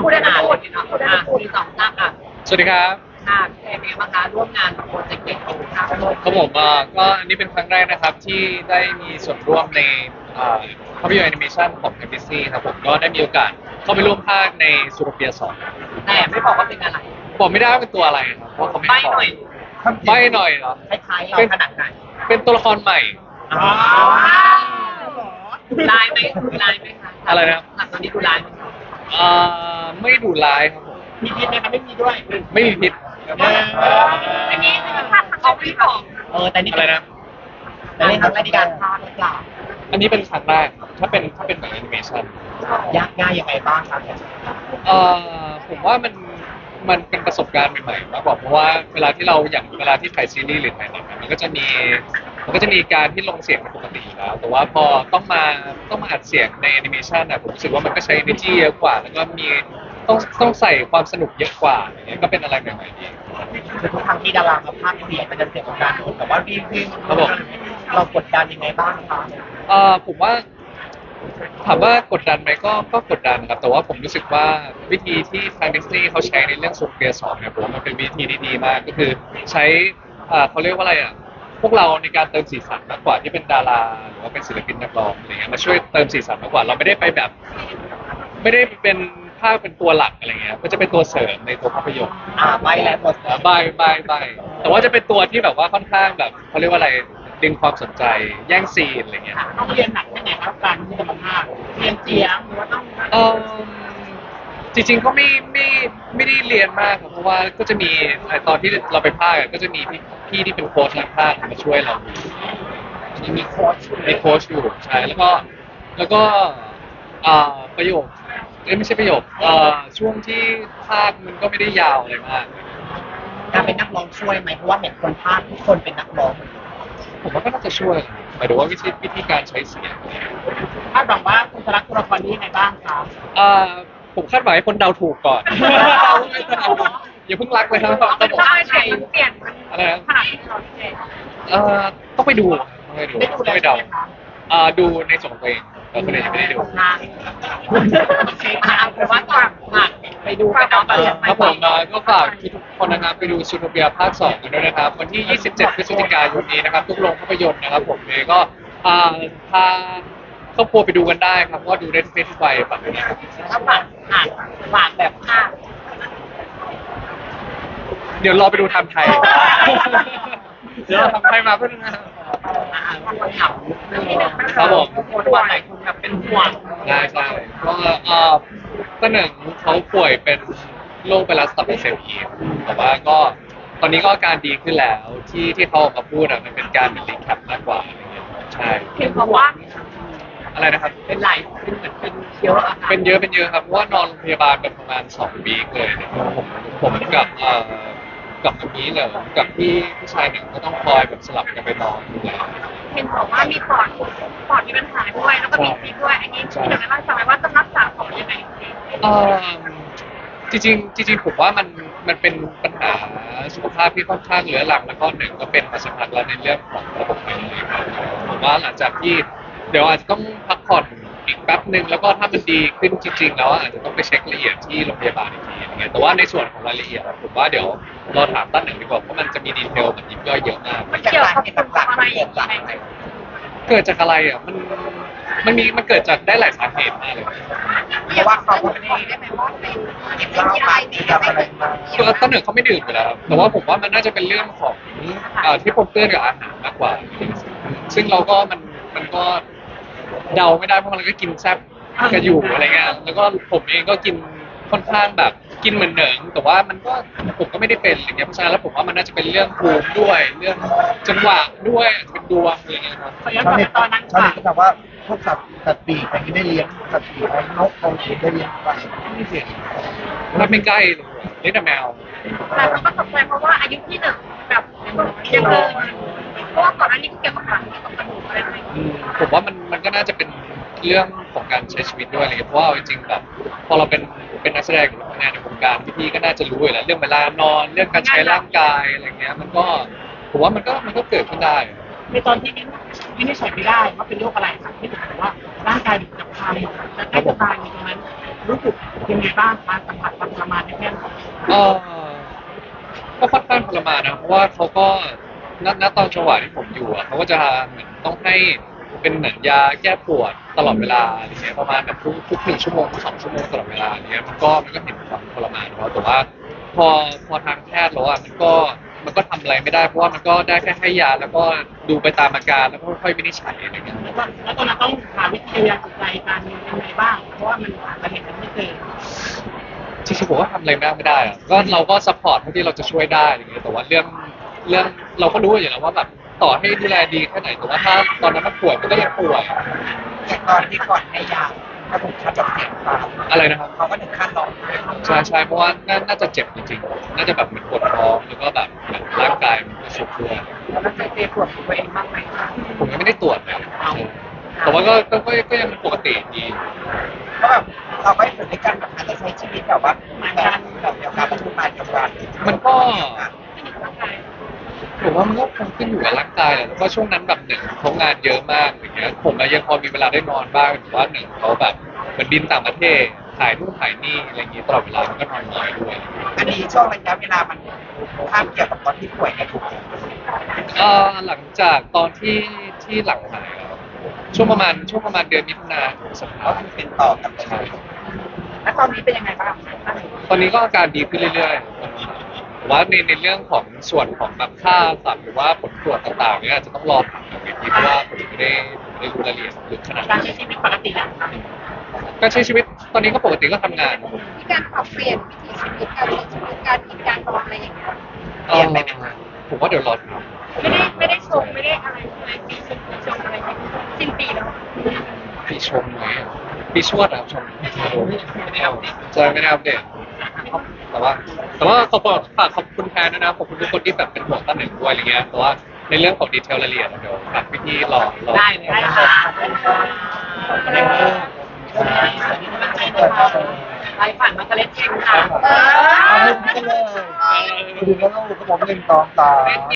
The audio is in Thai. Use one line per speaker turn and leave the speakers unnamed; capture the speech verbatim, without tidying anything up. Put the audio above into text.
พูดได้นะพูดเนาะอ่ะมีสองตั้งอ่ะ
สวัสดีครับ
ค่ะเป็นไงบ้างคะร่วมงานกับโปรเจกต์เด็กของค่ะ
ครับผมอ่าก็อันนี้เป็นครั้งแรกนะครับที่ได้มีส่วนร่วมในอ่าภาพยนตร์แอนิเมชันของ เอ็ม บี ซี ครับผมก็ได้มีโอกาสเข้าไปร่วมภาคในซูโทเปียสอง
แต่ไม่บอกว่าเป็นอะไร
บอกไม่ได้ว่าเป็นตัวอะไรครับเพราะเขาไม่
ใบ้
ให้บอก
หน่อย
ใบ้หน่อยเหรอ
คล้ายๆเราขนาดไหน
เป็นตัวละครใหม่
อ๋อลายไหมดูลายไหมคะ
อะไรนะ
หลังตอนนี้ดูลายไหมคะ
อ่าไม่ดุร้ายครับผม
มีพิษไหมคะไม่มีด้วย
ไม่มีพิษ
อันนี้เป็นภาพเขาไม่บอกเออแต่นี่
อะไรนะ
แต่นี่ทำในการภาพหรือเปล่า
อันนี้เป็นครั้งแรกครับถ้าเป็นถ้าเป็นแบบแอนิเมชัน
ยากง่ายยังไงบ้างครับ
เอ่อผมว่ามันมันเป็นประสบการณ์ใหม่ๆมากกว่าเพราะว่าเวลาที่เราอย่างเวลาที่ถ่ายซีรีส์หรือถ่ายหนังอะมันก็จะมีมันก็จะมีการที่ลงเสียงเป็นปกติอยู่แล้วแต่ว่าพอต้องมาต้องมาอัดเสียงในแอนิเมชันอะผมรู้สึกว่ามันก็ใช้ energy เยอะกว่าแล้วก็มีต้องต้องใส่ความสนุกเยอะกว่าอย่างเงี้ยก็เป็นอะไรใหม่ๆดี
คือทุกครั้งที่ดารามาภาคเสียงมันจะเสียงของการแต่ว่าวีวี
ครับผม
เรากดดันยังไงบ้างคะ
เอ่อผมว่าถามว่ากดดันไหมก็ก็กดดันครับแต่ว่าผมรู้สึกว่าวิธีที่ทางดิสนีย์เขาใช้ในเรื่องสุเปียสองเนี่ยผมว่ามันเป็นวิธีที่ดีมากก็คือใช้อ่าเขาเรียกว่าอะไรอ่ะพวกเราในการเติมสีสันมากกว่าที่เป็นดาราหรือว่าเป็นศิลปินนักร้องอะไรเงี้ยมาช่วยเติมสีสันมากกว่าเราไม่ได้ไปแบบ ไม่ได้เป็นภาคเป็นตัวหลักอะไรเงี้ยก็จะเป็นตัวเสริมในตัวภาพยนตร์
อ่าใบแล้วหมด
บายบายบายแต่ว่าจะเป็นตัวที่แบบว่าค่อนข้างแบบเขาเรียกว่าอะไรดึงความสนใจแย่งซีนอะไรเงี้ย
ต้องเรียนหนักแค่ไหนครับการที่จะมาภาคเรียนเสียงหรือว่าต้อง
เออจริงๆก็ไม่ไม่ไม่ได้เรียนมากครับเพราะว่าก็จะมีไอ้ตอนที่เราไปภาคอะก็จะมีพี่พี่ที่เป็นโค้ชนักภาคมาช่วยเราดูมีโค้ชมีโค้ชอยู่ใช่แล้วก็แล้วก็อ่าประโยคเอ้ยไม่ใช่ประโยคเอ่อช่วงที่ภาคมันก็ไม่ได้ยาวอะไรมาก
การเป็นนักร้องช่วยไหมเพราะว่าเห็นคนภาคทุกคนเป็นนักร้อง
ผมว่าก็น่าจะช่วยหมายถึงว่าวิธีวิธีการใช้เสียง
คาดหวังว่าคุณจะรักตัวละครนี้ยังไงบ้างครับ
อ่าผมคาดหวังให้คนเดาถูกก่อน อย่าเพิ่งรักเลยครับครับผม
ใช่ใช่เปลี่ยน
อะไรนะ
ขนาดที่เราเอง
เอ่อต้องไปดูต้องไปดู
ได้ดู
ต้อง
แล้ว
ไป
ใช่
เดา
ไหมคะ
อ่าดูในส่วนของตัวเองแต่คนอื่นยังไม่ได้ดู
นะโอเคค่ะแต่ว่าก่อนฝากไปดูกันก่อน
เออครับผมเอ่อก็ฝากทุกคนนะครับไปดูซูโทเปียภาคสองกันด้วยนะครับวันที่ ยี่สิบเจ็ด พฤศจิกายนนี้นะครับทุกโรงภาพยนตร์นะครับผมเองก็อ่าพาครอบครัวไปดูกันได้ครับเพราะว่าดูได้ทุกเพศทุกวัยฝากด้วยนะครับ
ถ้าฝากอ่านฝากแบบภาค
เดี๋ยวรอไปดูไทำไทย เดี๋ยวเราทำไทยมาเพื่อนนะ
อ่านคนถาม
ครับผม
คนว่าหลายคนแบบเป็นห่วง
ใช่ใช่เพราะว่าเอ่อต้นหนึ่งเขาป่วยเป็นโรคไวรัสตับอักเสบอีกแต่ว่าก็ตอนนี้ก็อาการดีขึ้นแล้วที่ที่เขาออกมาพูดอะมันเป็นการเหมือนรีแคปมากกว่าอะไรเงี้ยใช่
เห็นบอกว่า
อะไรนะครับ
เป็นหลายเป็นเหมือนเป็นเยอะอะค่ะ
เป็นเยอะเป็นเยอะครับเพราะว่านอนโรงพยาบาลแบบประมาณสองวีคเลยนะครับผมผมกับเอ่อกับอันนี้เนี่ยกับพี่พี่ชายหนึ่งก็ต้องคอยแบบสลับกันไปนอนดูแล
เห็นบอกว่ามีปอดปอดมีปัญหาด้วยแล้วก็มีซีดด้วยอันนี้ที่เราได้เล่าให้ฟังไหมว่าต้องรักษาปอดยังไง
เอ่อจริงๆจริงๆผมว่ามันมันเป็นปัญหาสุขภาพที่ค่อนข้างเรื้อรังแล้วก็หนึ่งก็เป็นมาสักพักแล้วในเรื่องของระบบหายใจครับผมว่าหลังจากที่เดี๋ยวอาจจะต้องพักผ่อนอีกแป๊บหนึ่งแล้วก็ถ้ามันดีขึ้นจริงๆแล้วอาจจะต้องไปเช็คละเอียดที่โรงพยาบาลอีกทีอย่างเงี้ยแต่ว่าในส่วนของรายละเอียดอะผมว่าเดี๋ยวรอถามตั้นหนึ่งดีกว่าเพราะมันจะมีดีเทลแบบยิบย่อยเยอะมาก
มันเกี่ยวกับอะไรอย่างไร
เกิดจากอะไรอ่ะมันมันมีมันเกิดจากได้หลายสาเหตุมากเลย
เพราะว่าเขาไม่ได้ได้ไหมว่าเป็นเหล้าไปมีอะไรมา
คือต้นหนึ่งเขาไม่ดื่มอยู่แล้วครับแต่ว่าผมว่ามันน่าจะเป็นเรื่องของเอ่อที่ปนเปื้อนกับอาหารมากกว่า ซึ่งเราก็มันมันก็เดาไม่ได้เพราะมันก็กินแซ่บกันอยู่อะไรเงี้ยแล้วก็ผมเองก็กินค่อนข้างแบบกินเหมือนเหนิงแต่ว่ามันก็ผมก็ไม่ได้เป็นอะไรเงี้ยเพราะฉะนั้นแล้วผมว่ามันน่าจะเป็นเรื่องภูมิด้วยเรื่องจังหวะด้วยอาจจะเป็นดวงอะไรเงี้ยครับ
ขอย้อนกลับไปตอนนั้น
ชาว
ค่ะ
เน็ตก็ถามว่าพวกสัตว์สัตว์ปีกอะไรนี้ได้เลี้ยงสัตว์ปีกอะไรนกเอาเขียนได้เลี้ยงไปไม่เสียง
มันไม่ใกล้เลยเลี้ยงแต่แมว
แต่เขาก็ตกใจเพราะว่าอายุที่หนึ่งแบบยังเกินเพราะว่าก่อนหน้านี้เกี่ยวกับหลังเกี่ยวกับกระดูกอะไรอะไร
อืมผมว่ามันมันก็น่าจะเป็นเรื่องของการใช้ชีวิตด้วยอะไรเงี้ยเพราะว่าเอาจริงๆแบบพอเราเป็นเป็นนักแสดงหรือทำงานในวงการพี่ๆก็น่าจะรู้อยู่แล้วเรื่องเวลานอนเรื่องการใช้ร่างกายอะไรเงี้ยมันก็ผมว่ามันก็มันก็เกิดขึ้นได้
ในตอนที่วินิจฉัยไม่ได้ว่าเป็นโรคอะไรค่ะที่ผมบอกว่าร่างกายอยู่กับใครจะใกล้จะตายในตรงนั้นรู้สึกยังไงบ้างการสัมผัสความทรมานในแค่ไหน
เออก็ค่อนข้างทรมานนะเพราะว่าเขาก็ณณตอนจังหวะที่ผมอยู่อ่ะเขาก็จะเหมือนต้องให้เป็นเหมือนยาแก้ปวดตลอดเวลาอะไรเงี้ยประมาณแบบทุกทุกหนึ่งชั่วโมงทุกสองชั่วโมงตลอดเวลาอะไรเงี้ยมันก็มันก็เห็นความทรมานของเขาแต่ว่าพอพอทางแพทย์แล้วอ่ะมันก็มันก็ทำอะไรไม่ได้เพราะว่ามันก็ได้แค่ให้ยาแล้วก็ดูไปตามอาการแล้วก็ค่อยๆวินิจฉัยอะไรเงี้ย
แล้วก็แล้วตอนนั้นต้องหาวิธียาจิตใจการยังไงบ้างเพราะว่ามันหาสาเหตุไม่เจอ
จริงๆผมว่าทำอะไรมากไม่ได้อะก็เราก็ซัพพอร์ตเท่าที่เราจะช่วยได้อะไรเงี้ยแต่ว่าเรื่องเรื่องเราก็รู้อยู่แล้วว่าแบบต่อให้ดูแลดีแค่ไหนแต่ว่าถ้าตอนนั้นมันป่วยมันก็ยังป่วย
อย่างตอนที่ก่อนให้ยาถ้าผมคัดจากเสียงตาม
อะไรนะครับ
เขาก็ถึงขั้นร้องไห้
ใช่ใช่เพราะว่าน่าน่าจะเจ็บจริงๆน่าจะแบบเหมือนปวดท้องแล้วก็แบบเหมือนร่างกายมันก็สุดตัว
แล้วเจเจปวดตัวเองบ้างไหมคะ
ผมยังไม่ได้ตรวจเลยแต่ว่าก็ก็ก็ก็ยังปกติดี
ก็แบบเราก็อยู่ด้วยกันแบบอาจจะใช้ชีวิตแบบว่าแบบแบบเดียวกันประชุมงานกับวัน
มันก็ผมว่ามันก็คงขึ้นอยู่กับร่างกายแหละแล้วก็ช่วงนั้นแบบหนึ่งเขางานเยอะมากอย่างเงี้ยผมอะยังพอมีเวลาได้นอนบ้างแต่ว่าหนึ่งเขาแบบเหมือนบินต่างประเทศถ่ายนู่นถ่ายนี่อะไรอย่างงี้ตลอดเวลามันก็นอนน้อยด้วย
อันนี้ช่วงระยะเวลามันข้ามเกี่ยวกับตอนที่ป่วยเนี่ยถูกไหม
เอ่อหลังจากตอนที่ที่หลังหายอะช่วงประมาณช่วงประมาณเดือนมิถุนาถึงสัปดา
ก็
ห์
คือเป็นต่อกันไป
ใช่
แล้วตอนนี้เป็นยังไงบ้าง
ตอนนี้ก็อาการดีขึ้นเรื่อยๆแต่ว่าในในเรื่องของส่วนของแบบค่าสัตว์หรือว่าผลตรวจต่างๆเนี่ยอาจจะต้องรอผลอีกทีเพราะว่าผมไม่ได้ไม่ได้รู้รายละเอียดลึกขนาด
การ
นั้น
ใช้ชีวิตปกติอะ
การใช้ชีวิตตอนนี้ก็ปกติก็ทำงาน
มีการปรับเปลี่ยนวิถีชีวิตการใช้ชีวิตการกินการนอนอะไรอย่างเงี้ย
เอ่อผมว่าเดี๋ยวรอดู
ไม่ได้ไม่ได้ชงไม่ได้อะไรอะไรปีชงปีชงอะไรอย่างเงี้ยสิ้นปีแล้ว
ปีชมไหมอะปีชวดนะครับชมใช่ไม่ได้อัปเดตแต่ว่า แต่ว่าขอบคุณฝากขอบคุณแทนด้วยนะขอบคุณทุกคนที่แบบเป็นห่วงตั้งหนึ่งด้วยอะไรเงี้ยแต่ว่าในเรื่องของดีเทลรายละเอียดเดี๋ยวฝากพี่ๆรอรอ
ได้เลยได้ค่ะอะไรเงี้ยไปผ่านมาเกล็ดเองค่ะ
เอาให้พี่กันเลยดูแล้วลูกก็ผมเล่นตองตา